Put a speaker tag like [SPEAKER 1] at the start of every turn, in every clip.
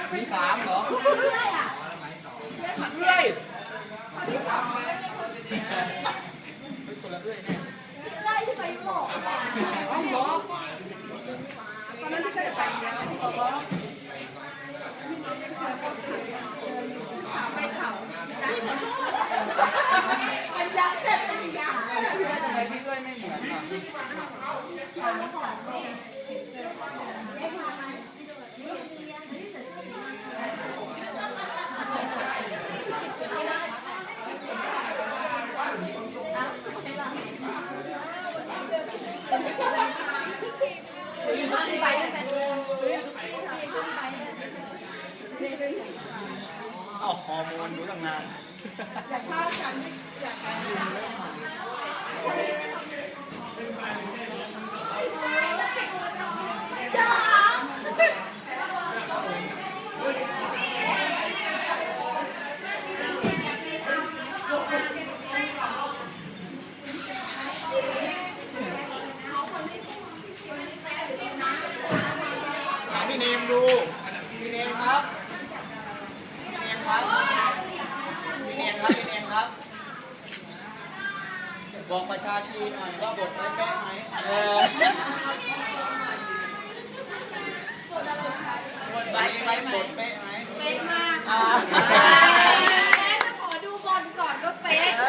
[SPEAKER 1] มีสามเหรอเรื่อยอ่ะเรื่อยคนละเรื่อยเนี่ยเรื่อยที่ไปยุโรปอ๋อเหรอตอนนั้นที่เคยไปเนี่ยที่บอกว่าไปเขามันยักษ์เจ็บเป็นยักษ์ทำไมพี่เรื่อยไม่เหมือนอ่ะเอาฮอร์โมนรู้ตั้งนานอยากพากันอยากกันพี่เนมดูพี่เนมครับพี่เนมครับพี่เนมครับพี่เนมครับบอกประชาชีหน่อยว่าบทได้เป๊ะไหมไว้บทเป๊ะไหมเป๊ะมาก
[SPEAKER 2] จะขอดูบอลก่อนก็เป๊ะ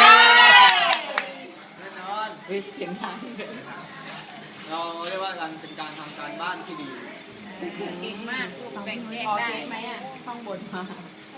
[SPEAKER 1] แน่นอน
[SPEAKER 3] เสียงดัง
[SPEAKER 1] เราเรียกว่าการเป็นการทำการบ้านที่ดี
[SPEAKER 3] เก่งมากแบ่งแยกได้ไหมอ่ะข้างบนมา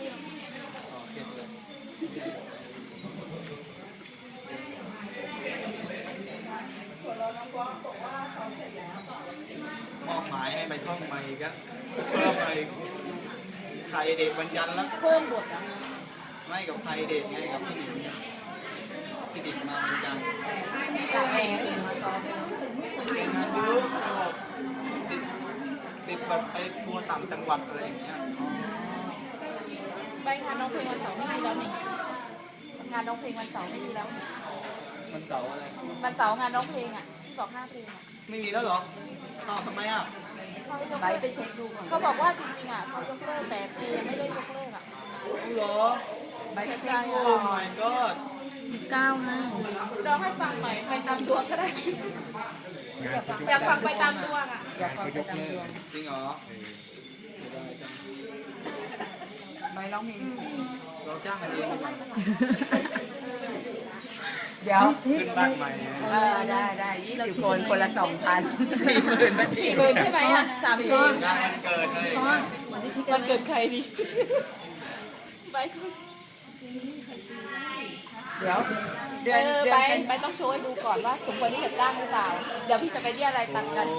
[SPEAKER 1] มอบหมายให้ไปท่องใหม่ก็เพิ่มไปใครเด็กวันจันทร์แล้ว
[SPEAKER 3] เพิ่มบทอ่ะ
[SPEAKER 1] ไม่กับใครเด็กไงกับพี่ดิ๊กมาวันจันทร์
[SPEAKER 3] แข่งเห็นมาซ้อมเลย
[SPEAKER 1] เก่งงานเยอะแบบติดแบบไปทัวร์ต่างจังหวัดอะไรอย่างเงี้ย
[SPEAKER 3] ไปงานน้องเพลงวันเสาร์ไม่มีแล้วนี่งานน้องเพลงวันเสาร์ไม่มีแล้ว
[SPEAKER 1] วันเสาร์อะไร
[SPEAKER 3] วันเสาร์งานน้องเพลงอ่ะ25 เพลงอ่ะ
[SPEAKER 1] ไม่มีแล้วเหรออ้าวทำไมอ่ะ
[SPEAKER 3] ไปเช็คดูก่อนเขาบอกว่าจริงๆอ่ะเขายกเลิกแต่เพลงไม่ได้ยกเลิกอ่ะ
[SPEAKER 1] เหรอ
[SPEAKER 3] ไปเช็คดู
[SPEAKER 1] โอ้ my god
[SPEAKER 3] 9ไงร้องให้ฟังหน่อยไปตามดวงก็ได้อยากฟังไปตามดวงอ่ะอยากฟังไปตามดวง
[SPEAKER 1] จริงเหรอ
[SPEAKER 3] ไปร้องเพลง
[SPEAKER 1] เราจ้างกันเอง
[SPEAKER 3] เดี๋ยว
[SPEAKER 1] ขึ้นบ้านใหม่
[SPEAKER 3] ได้20 คนคนละ 2,000 40,000 40,000ใช่ไหมอ่ะ3 คน
[SPEAKER 1] งานวันเกิดเลย
[SPEAKER 3] วันเกิดใครดีไปเดี๋ยวเดือนไปต้องโชว์ให้ดูก่อนว่าสมควรที่จะจ้างหรือเปล่าเดี๋ยวพี่จะไปเรียกอะไรตังกัน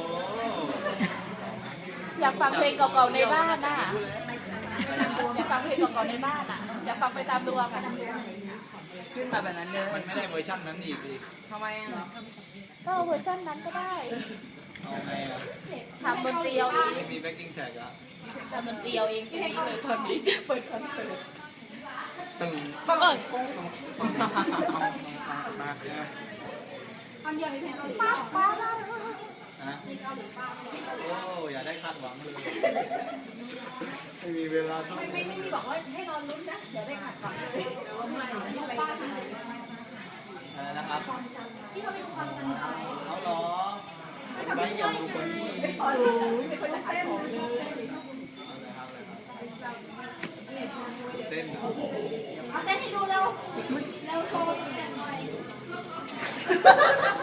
[SPEAKER 3] อยากฟังเพลงเก่าๆในบ้านน่ะอยากฟังเพลงเก่าๆในบ้านอ่ะอยากฟังไปตามดวงอ่ะขึ้นมาแบบนั้นเลย
[SPEAKER 1] มันไม่ได้เวอร์ชันนั้นอีกดิ
[SPEAKER 3] ทำไมอ่ะก็เวอร์ชันนั้นก็ได้
[SPEAKER 1] เอาไงอ่ะ
[SPEAKER 3] ทำดนตรีเอาเอง
[SPEAKER 1] ไม่มีแบ็คกิ้งแท็กอ่ะ
[SPEAKER 3] ทำดนตรีเอาเองปีนี้เลยตอนนี้เปิดคอนเสิร์ต
[SPEAKER 1] ตึง
[SPEAKER 2] ปั้ง
[SPEAKER 1] มา
[SPEAKER 2] ตอนเดียวมีเพลงเกาหลี
[SPEAKER 1] นะโอ้อย่าได้คาดหวังเลยไม่มีเวลาเท่า
[SPEAKER 2] ไม่มีบอกว่าให้รอลุ้นนะเดี๋ยวได้ขัดก่อน
[SPEAKER 1] อะไรนะครับ
[SPEAKER 2] ที่เราไปดูความสนุกอะไร
[SPEAKER 1] เขาล้อไม่ยอมดูคนที่
[SPEAKER 2] ไม่คนจะเต้น
[SPEAKER 1] เต้น
[SPEAKER 2] เอาเต้นให้ดูเร็วโชว์เต้นหน่อย